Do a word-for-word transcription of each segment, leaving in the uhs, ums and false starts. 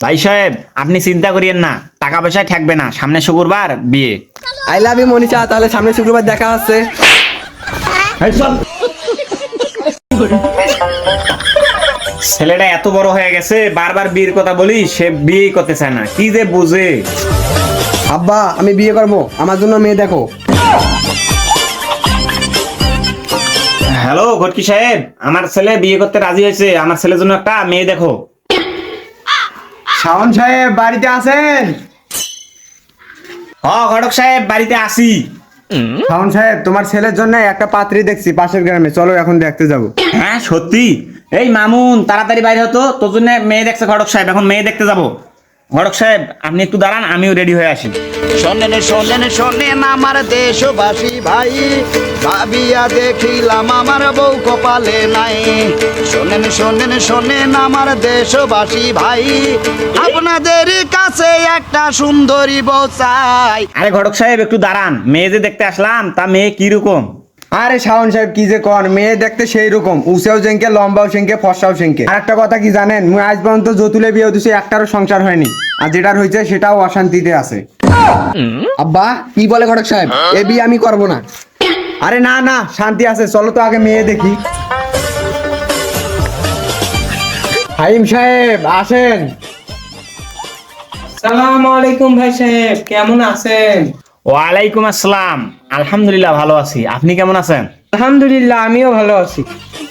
ভাই সাহেব আপনি চিন্তা করিয়েন না, টাকা পয়সা ঠেকবে না, সামনে শুক্রবার বিয়ে। আই লাভ ইউ মনীষা, তাহলে সামনে শুক্রবার দেখা হচ্ছে। ছেলেটা এত বড় হয়ে গেছে, বারবার বিয়ের কথা বলি, সে বিয়ে করতে চায় না, কি যে বুঝে। আব্বা আমি বিয়ে করবো, আমার জন্য মেয়ে দেখো। হ্যালো ঘটকি সাহেব, আমার ছেলে বিয়ে করতে রাজি হয়েছে, আমার ছেলের জন্য একটা মেয়ে দেখো। শাওন সাহেব বাড়িতে আছেন? হ ঘটক সাহেব বাড়িতে আসি। শাওন সাহেব তোমার ছেলের জন্য একটা পাত্রী দেখছি পাশের গ্রামে, চলো এখন দেখতে যাবো। হ্যাঁ সত্যি? এই মামুন তাড়াতাড়ি বাইরে হতো, তোর জন্য মেয়ে দেখছে ঘটক সাহেব, এখন মেয়ে দেখতে যাবো। ঘটক সাহেব আপনি একটু দাঁড়ান, আমিও রেডি হয়ে আসি। শোনেন শোনেন শোনেন আমার দেশবাসী ভাই, ভাবিয়া দেখিলাম আমার বউ কপালে নাই। শোনেন শোনেন শোনেন আমার দেশবাসী ভাই, আপনাদের কাছে একটা সুন্দরী বউ চাই। আরে ঘটক সাহেব একটু দাঁড়ান, মেয়ে যে দেখতে আসলাম তা মেয়ে কিরকম? আরে শাওন সাহেব কি যে কন, মেয়ে দেখতে সেই রকম, উঁচাও সেঙ্কে, লম্বাও সেঙ্কে, ফর্সাও সেঙ্কে। আর একটা কথা কি জানেন, মুই আজ পর্যন্ত যতুলে বিয়ে দিছি, একটারও সংসার হয়নি, আর যেটার হয়েছে সেটাও অশান্তিতে আছে। আব্বা কি বলে ঘটক সাহেব, এ বিয়ে আমি করবো না। আরে না না শান্তি আছে, চলো তো আগে মেয়ে দেখি। হাইম সাহেব আসেন। সালাম আলাইকুম ভাই সাহেব, কেমন আছেন? ওয়ালাইকুম আসসালাম, আলহামদুলিল্লাহ ভালো আছি, আপনি কেমন আছেন? আলহামদুলিল্লাহ আমিও ভালো আছি।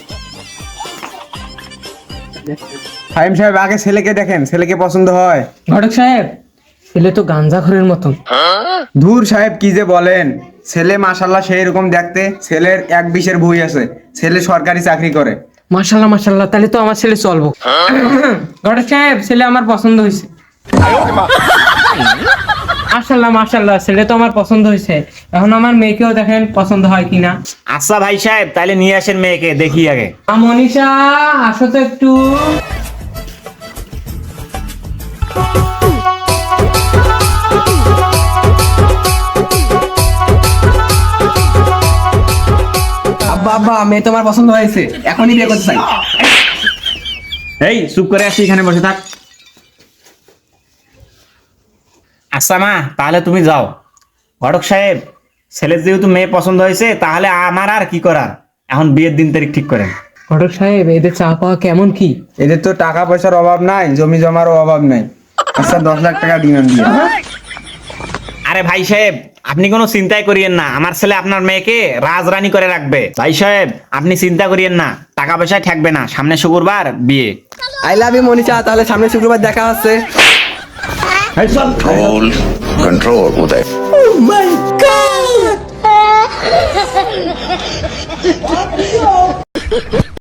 হাইম সাহেব আগে ছেলেকে দেখেন, ছেলেকে পছন্দ হয়? ঘটক সাহেব ছেলে তো গাঞ্জাখোরের মতন। ধুর সাহেব কি যে বলেন, ছেলে মাশাল্লাহ সেই রকম দেখতে, ছেলের এক বিশের বই আছে, ছেলে সরকারি চাকরি করে। মাশাল্লাহ মাশাল্লাহ, তাহলে তো আমার ছেলে চলবো। ঘটক সাহেব ছেলে আমার পছন্দ হয়েছে। মাশাল্লাহ মাশাল্লাহ, ছেলে তো আমার পছন্দ হয়েছে, এখন আমার মেয়েকেও দেখেন পছন্দ হয় কিনা। আচ্ছা ভাই সাহেব তাহলে নিয়ে আসেন মেয়েকে, দেখি আগে। আ, মনীষা আসো তো একটু। আব্বা আব্বা মেয়ে তোমার পছন্দ হয়েছে, এখনই বিয়ে করতে চাই। এই চুপ করে আসি, এখানে বসে থাক। আচ্ছা মা তাহলে তুমি যাও। ঘটক সাহেব ছেলের যেহেতু মেয়ে পছন্দ হয়েছে, তাহলে আমার আর কি করার, এখন বিয়ের দিন তারিখ ঠিক করেন। ঘটক সাহেব এদের চা পাওয়া কেমন কি? এদের তো টাকা পয়সার অভাব নাই, জমি জমারও অভাব নাই। আচ্ছা দশ লাখ টাকা ডিমান্ড দিয়ে। আরে ভাই সাহেব আপনি কোনো চিন্তাই করিয়েন না, আমার ছেলে আপনার মেয়েকে রাজরানী করে রাখবে। ভাই সাহেব আপনি চিন্তা করিয়েন না, টাকা পয়সা ঠেকবে না, সামনে শুক্রবার বিয়ে। আই লাভ ইউ মনীষা, তাহলে সামনে শুক্রবার দেখা হচ্ছে। Control, control, Uday. Oh my god!